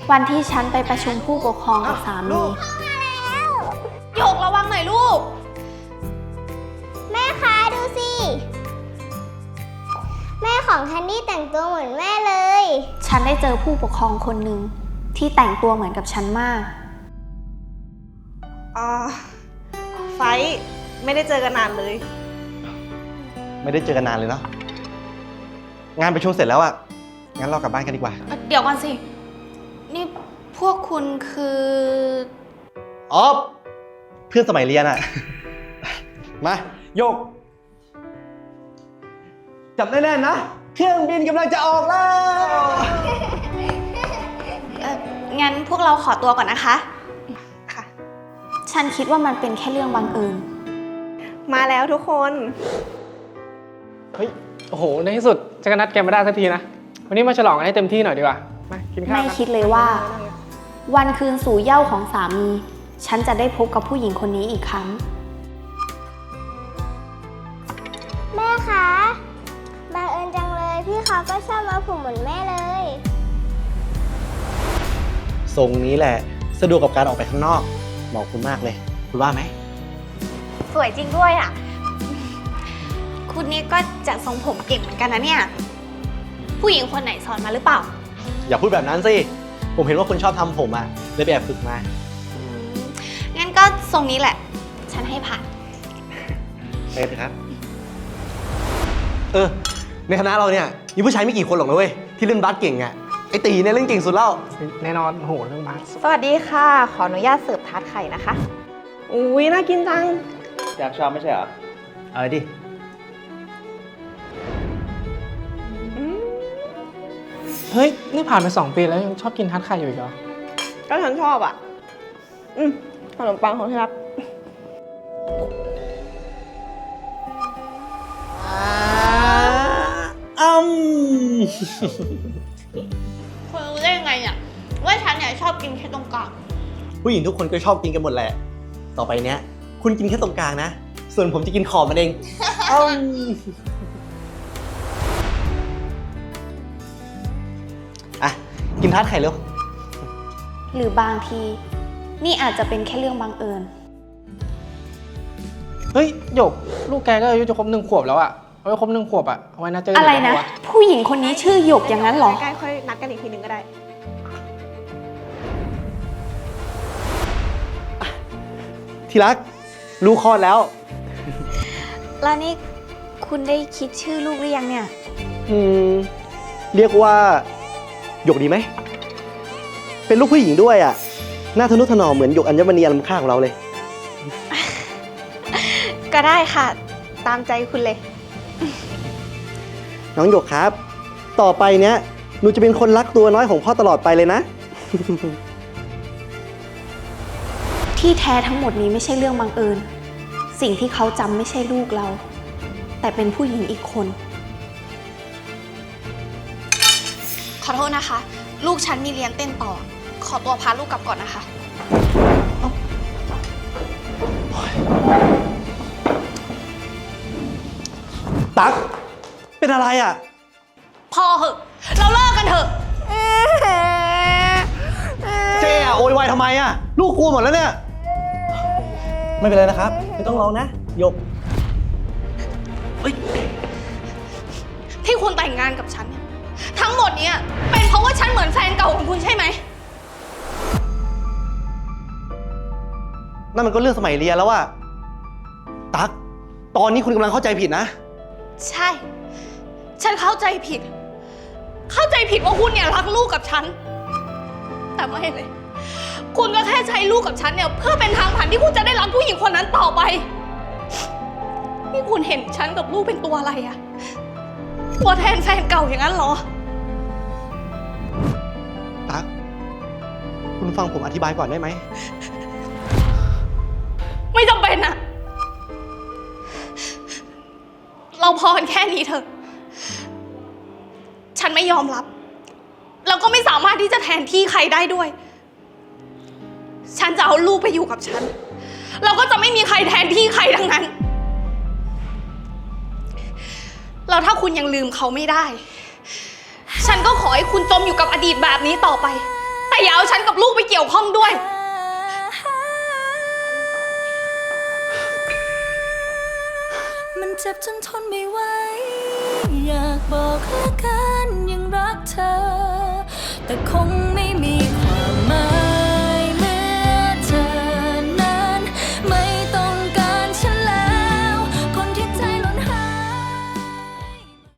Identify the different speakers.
Speaker 1: วันที่ฉันไปประชุมผู้ปกครองกับสามีหยกระวังหน่อยลูก
Speaker 2: แม่คะดูสิ แม่ของแคนดี้แต่งตัวเหมือนแม่เลย
Speaker 1: ฉันได้เจอผู้ปกครองคนหนึ่งที่แต่งตัวเหมือนกับฉันมาก
Speaker 3: ไฟไม่ได้เจอกันนานเลย
Speaker 4: ไม่ได้เจอกันนานเลยเนาะงานประชุมเสร็จแล้วอะงั้นเรากลับบ้านกันดีกว่า
Speaker 1: เดี๋ยวก่อนสินี่พวกคุณคือ
Speaker 4: อ๋อเพื่อนสมัยเรียนอะ มาโยกจับแน่ๆนะเครื่องบินกำลังจะออกแล้ว
Speaker 1: งั้นพวกเราขอตัวก่อนนะคะ
Speaker 3: ค่ะ
Speaker 1: ฉันคิดว่ามันเป็นแค่เรื่องบังเอิญ
Speaker 3: มาแล้วทุกคน
Speaker 5: เฮ้ย โอ้โห ในที่สุดจะก็นัดแกมาได้สักทีนะ วันนี้มาฉลองกันให้เต็มที่หน่อยดีกว่า มากินข้าว
Speaker 1: ไม่
Speaker 5: กัน
Speaker 1: คิดเลยว่า วันคืนสู่เหย้าของสามี ฉันจะได้พบกับผู้หญิงคนนี้อีกครั้ง
Speaker 2: แม่คะบังเอิญจังเลยพี่เขาก็ชอบมาผมเหมือนแม่เลย
Speaker 4: ทรงนี้แหละสะดวกกับการออกไปข้างนอกเหมาะคุณมากเลย คุณว่าไหม
Speaker 1: สวยจริงด้วยอ่ะ คุณนี่ก็จัดทรงผมเก่งเหมือนกันนะเนี่ย ผู้หญิงคนไหนสอนมาหรือเปล่า
Speaker 4: อย่าพูดแบบนั้นสิผมเห็นว่าคุณชอบทำผมอะเลยไปแอบฝึกมา
Speaker 1: งั้นก็ทรงนี้แหละ ฉันให้ผ่าน
Speaker 4: ไปเถอะครับ ในคณะเราเนี่ยมีผู้ชายไม่กี่คนหรอกนะเว้ยที่เล่นบาสเก่งอะไอตีเนี่ยเล่นเก่งสุดแล้ว
Speaker 5: แน่นอน โอ้โห เรื่องบาส
Speaker 3: สวัสดีค่ะ ขออนุญาตเสิร์ฟทาร์ตไข่นะคะ อุ้ยน่ากินจัง
Speaker 4: อยากชอบไม่ใช่เหรอเอาดิ
Speaker 5: เฮ้ย นี่ผ่านไป2 ปีแล้วยังชอบกินทัดไข่อยู่อีกเหรอ
Speaker 3: ก็ฉันชอบอ่ะ ขนมปังของที่รัก
Speaker 1: คุณรู้ได้ยังไงเนี่ยว่าฉันเนี่ยชอบกินแค่ตรงกลาง
Speaker 4: ผู้หญิงทุกคนก็ชอบกินกันหมดแหละ ต่อไปเนี้ยคุณกินแค่ตรงกลางนะ ส่วนผมจะกินขอบมันเอง อ่ะ กินทาร์ตไข่เร็ว
Speaker 1: หรือบางที นี่อาจจะเป็นแค่เรื่องบังเอิญ
Speaker 5: เฮ้ยหยก ลูกแกก็อายุจะครบ1 ขวบแล้วอะเอาไว้ครบ1 ขวบอะเอาไว้นัดเจอกั
Speaker 1: อะไร
Speaker 5: ดีก
Speaker 1: นะ
Speaker 5: ว่า
Speaker 1: ผู้หญิงคนนี้ชื่อหยกอย่างนั้นเหรอ
Speaker 3: ใกล้ๆค่อยนัดกันอีกทีหนึ่งก็ได้
Speaker 4: ที่รัก ลูกคลอดแล้ว
Speaker 1: แล้วนี่คุณได้คิดชื่อลูกหรือยังเนี่ย
Speaker 4: เรียกว่าหยกดีไหม เป็นลูกผู้หญิงด้วยอ่ะ หน้าทะนุถนอมเหมือนหยกอัญมณีอันล้ำค่าของเราเลย
Speaker 1: ก็ได้ค่ะ ตามใจคุณเลย
Speaker 4: น้องหยกครับ ต่อไปเนี้ยหนูจะเป็นคนรักตัวน้อยของพ่อตลอดไปเลยนะ
Speaker 1: ที่แท้ทั้งหมดนี้ไม่ใช่เรื่องบังเอิญ สิ่งที่เขาจำไม่ใช่ลูกเรา แต่เป็นผู้หญิงอีกคน ขอโทษนะคะ ลูกฉันมีเรียนเต้นต่อ ขอตัวพาลูกกลับก่อนนะคะ
Speaker 4: ตั๊ก เป็นอะไรอ่ะ
Speaker 1: พอเหอะ เราเลิกกันเถอะ
Speaker 4: เจ๊อะโวยวายทำไมอ่ะ ลูกกลัวหมดแล้วเนี่ย ไม่เป็นไรนะครับ ไม่ต้องร้องนะหยก
Speaker 1: ที่คุณแต่งงานกับฉันเนี่ยทั้งหมดเนี้ยเป็นเพราะว่าฉันเหมือนแฟนเก่าของคุณใช่ไหม
Speaker 4: นั่นมันก็เรื่องสมัยเรียนแล้วอะตั๊ก ตอนนี้คุณกำลังเข้าใจผิดนะ
Speaker 1: ใช่ ฉันเข้าใจผิด เข้าใจผิดว่าคุณเนี่ยรักลูกกับฉัน แต่ไม่เลย คุณก็แค่ใช้ลูกกับฉันเนี่ยเพื่อเป็นทางผ่านที่คุณจะได้รักผู้หญิงคนนั้นต่อไป นี่คุณเห็นฉันกับลูกเป็นตัวอะไรอะตัวแทนแฟนเก่าอย่างนั้นเหรอ
Speaker 4: ตั๊ก คุณฟังผมอธิบายก่อนได้ไหม
Speaker 1: ไม่จำเป็นอะเราพอกันแค่นี้เถอะ ฉันไม่ยอมรับ แล้วก็ไม่สามารถที่จะแทนที่ใครได้ด้วย ฉันจะเอาลูกไปอยู่กับฉัน เราก็จะไม่มีใครแทนที่ใครทั้งนั้น แล้วถ้าคุณยังลืมเขาไม่ได้ ฉันก็ขอให้คุณจมอยู่กับอดีตแบบนี้ต่อไป แต่แต่อย่าเอาฉันกับลูกไปเกี่ยวข้องด้วย
Speaker 6: มันเจ็บจนทนไม่ไหวอยากบอกเหลือเกินยังรักเธอ แต่คงไม่มีใคร